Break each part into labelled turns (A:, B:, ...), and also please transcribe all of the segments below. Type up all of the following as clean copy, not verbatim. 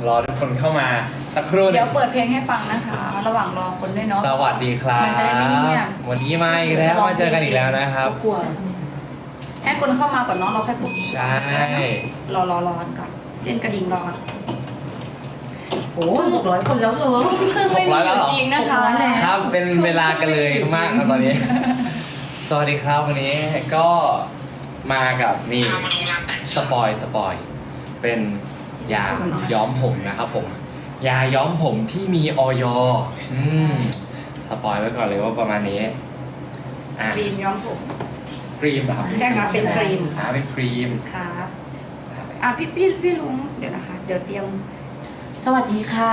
A: รอทุกคนเข้ามาสักครู่
B: เดี๋ยวเปิดเพลงให้ฟังนะคะ ระหว่างรอคนด้วยเนาะ
A: สวัสดีครับ
B: มันจะได้ไม่เงียบ
A: วันนี้มาอีกแล้วมาเจอกันอีกแล้วนะครับ
C: กลัว
B: ให้คนเข้ามาก่อนเนาะเราค่อยปลุก
A: ใช่
B: รอกันก่อนเล่นกระดิ่งรอกัน
C: โอ้600 คนแล้วเธอ
B: ทุ่มครึ่งไม่มีอยู่จริงนะคะ
C: 600แล้ว
A: ครับเป็นเวลากันเลยมากครับตอนนี้ สวัสดีครับวันนี้ก็มากับนี่สปอยเป็นยาย้อมผมนะครับผมยาย้อมผมที่มีออยสปอยไว้ก่อนเลยว่าประมาณนี้อ่ะ
B: ครีมย้อมผม
A: ครีมเหรอครับ
B: ใช่ค่ะเป็นครีม
A: เป็นครีม
B: ครับพี่ลุงเดี๋ยวนะคะ เดี๋ยวเตรียม
C: สวัสดีค่ะ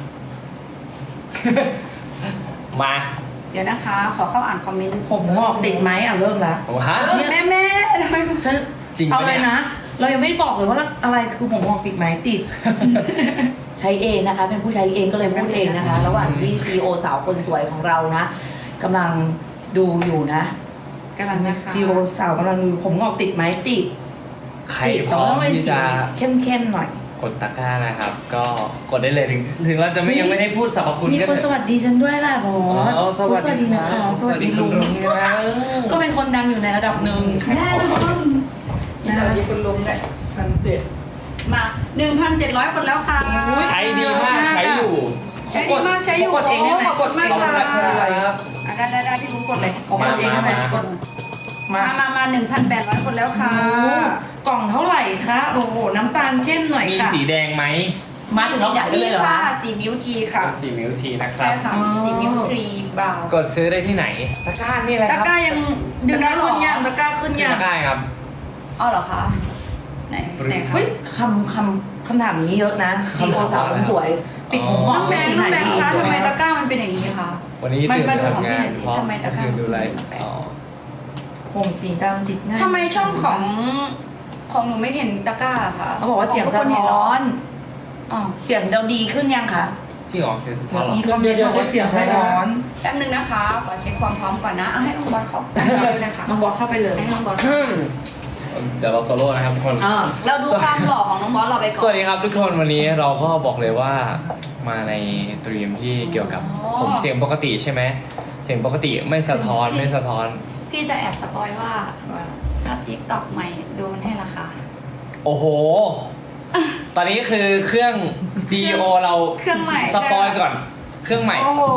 A: มา
B: เดี๋ยวนะคะ ขอเข้าอ่านคอมเมนต์
C: ผมงอกติดไหมเริ่มละ
A: โอ้ฮะ
B: แม่ทำไม
C: ฉัน
A: จริงปะ
C: เอาเลย
A: เนี่ย
C: นะ เรายังไม่บอกเลยว่าอะไรคือผมงอกติดไหมติด ใช้เองนะคะ เป็นผู้ใช้เองก็เลยพูดเองนะคะ ระหว่างที่ CEO สาวคนสวยของเรานะกำลังดูอยู่นะ
B: กำลังนะคะ
C: CEO สาวกำลังดูผมงอกติดไหมติด
A: ใคร
C: ติด
A: พร้อมที่จะ
C: เข้มๆหน่อย
A: กดตะกร้านะครับ ก็กดได้เลยถึงเราจะยังไม่ได้พูดสรรพคุณ
C: มี
A: ก็
C: คน
A: เถ
C: ส
A: อะ
C: วัสดีฉันด้วยล่ะบอส
A: อ๋อสวัสดี
C: นะคะ
A: สวัสดีคุณลุงนะ
C: ก็เป็นคนดังอยู่ในระดับหนึ่ง
B: แน่นอน
C: นะ
B: สวัสดีคุณลุงด้วยมา 1,700 คนแล้วค่ะ
A: ใช้ดีมากใช้อยู่
B: ใช้ดีมากใช้อยู่
C: กดเองได้ไหม
B: ขอบคุณมาก
A: ขอบ
B: ค่ะ
A: คุณนะครับ
B: ได้พี่ลุงกดเลย
C: ผมกดเองได้ไหม
A: มา
C: กดมา
B: มา 1,800 คนแล้วค่ะ
C: โอ้โหกล่องเท่าไหร่คะโอ้โหน้ำตาลเข้มหน่อย
A: มี
C: ค่ะ
A: สีแดงไหม
C: มาถึงเราขายได้เลยเหรอ
B: ค่ะ
C: คะ
B: สีมิวทีค่ะ
A: เป็นสีมิวทีนะครั
B: ใช่
A: บ
B: ค่ะ
C: อ๋อ
B: สีมิวทีบราวน์
A: กดซื้อได้ที่ไหนตะกร้านี่แหละ
B: ตะ
A: ครับ
B: กร้ายังดึ
C: ตะ
B: ง
C: กร้า
B: แล้วเหร
C: ขึ้
B: อน
C: ยังตะกร้าขึ้น
A: ขึ้น
C: ยัง
A: ตะกร้าครับ
B: อ๋อเหรอคะไหนคะ
C: เฮ้ยคำถามนี้เยอะนะ
A: คำถาม
C: CEO สาวคนสวย ปิดผมง
B: น้
C: อ
B: อก งแบ
C: เป็น
B: ง
C: สี
B: ค์
C: ไหน
B: น้องแบงค์
C: ดี
B: คะทำไมตะกร้ามันเป็นอย่างนี้คะ
A: วันนี้ตื่น
B: มา
A: ไป
B: ดูของ
A: ทำงาน
B: พี่หน่อยสิ
A: เพราะ
B: ทำไมตะกร้า
A: คืนดูไลฟ์
B: แปลก
A: อ๋อ
C: ผมสีดำติดง่าย
B: ทำไมช่องของหนูไม่เห็นตะกร้าค่ะ
C: เขาบอกว่าเสียงสะ
B: ขทุกคนเห็นเหร
C: ท้อน
B: อ๋อ
C: เสียงเราดีขึ้นยังคะ
A: จริงเหรอเสียงสะท้อนเหรอ
C: มีคอมเมนต์ว่าเสียงสะท้อน
B: แป๊บนึงนะคะขอเช็คความพร้อมก่อนนะเอาให้น้องบอลเข้าไปเลยค่ะ
C: น้องบอสเข้าไปเลย
B: ให้น้องบอล
A: เดี๋ยวเราโซโล่นะครับทุกคน
C: อ่า
B: เราดูความหล่อของน้องบอสเราไปก่อน
A: สวัสดีครับทุกคนวันนี้เราก็บอกเลยว่ามาในตรีมที่เกี่ยวกับผมเสียงปกติใช่ไหมเสียงปกติไม่สะท้อนไม่สะท้อน
B: พี่จะแอบสปอยว่าภาพติ๊กต็อกใหม่โดนให้ราคา
A: โอ้โห ตอนนี้คือเครื่อง CEO เรา
B: เครื่องใหม่
A: สปอยก่อน เครื่องใหม่
B: โอ้โห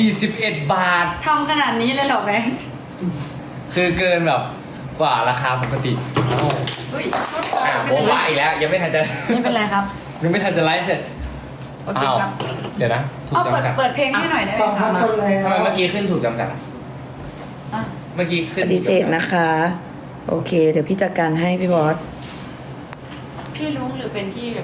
A: 41 บาท
B: ทำขนาดนี้เลยเหรอแม่
A: คือเกินแบบกว่าราคาปกติโอ้โห
B: อุ้ย
A: โบ๊ะบ้าอีกแล้ว ยังไม่ทันจะ
B: ไม่เป็นไรครับ
A: ยังไม่ทันจะไลฟ์เสร็จ
B: โอเค
A: อ้าว
B: ครับ
A: เดี๋ยวนะ ถูก
B: เอา
A: จำกัด
B: เปิดเพลงให้หน่อยได้ไหมคะ
A: ทำไมเมื่อกี้ขึ้นถูกจำกัดอะ
B: อ่ะ
A: เมื่อกี้ขึ้
C: ป
A: น
C: ฏิเสธนะคะ โอเค เดี๋ยวพี่จัดการให้พี่บอส
B: พี่รู้หรือเป็นที่แบบ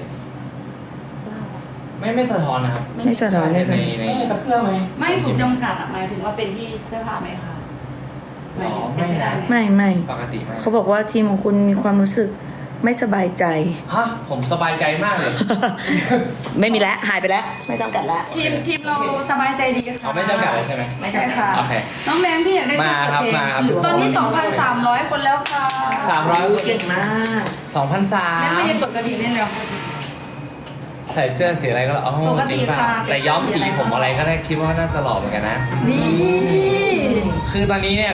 A: ไม่สะท้อนนะครับ
C: ไม่สะท้อนไม่สะท้อน
A: ใน
D: กับเสื้อไหม
B: ไม่ถูกจำกัดอ่ะหมายถึงว่าเป็นที่เสื้อผ้าไหมคะ
A: อ๋อ
B: เป็นไม่ได้ไหม
C: ไม่
A: ปกติไหม
C: เขาบอกว่าทีมของคุณมีความรู้สึกไม่สบายใจ
A: ฮะผมสบายใจมากเลย
C: ไม่มีแล้วหายไปแล้ว ไม่จำกัดแล้ว
B: ทีมเราสบา ยใจดีค่ะ
A: เขาไม่จำกัดเลยใช่ไหม
B: ไม่ใช่ค่ะ
A: โอเค
B: น้องแบงค์พี่อยากได้
A: มาครับ
B: เพลง
A: มาครับ
B: ตอนนี้ 2,300 คนแล้วค่ะ
C: เก่งมาก
A: 2,300
B: แบงค์ไม่ได้เปิดกระดิ่งเล่นเลยเหรอ
A: ใส่เสื้อสีอะไรก็อ๋อ
B: ปกติ
A: จริงป่ะ
B: ค่ะ
A: แต่ย้อมสีผมอะไรก็ได้คิดว่าน่าจะหล่อเหมือนกันนะ
B: นี่
A: คือตอนนี้เนี่ย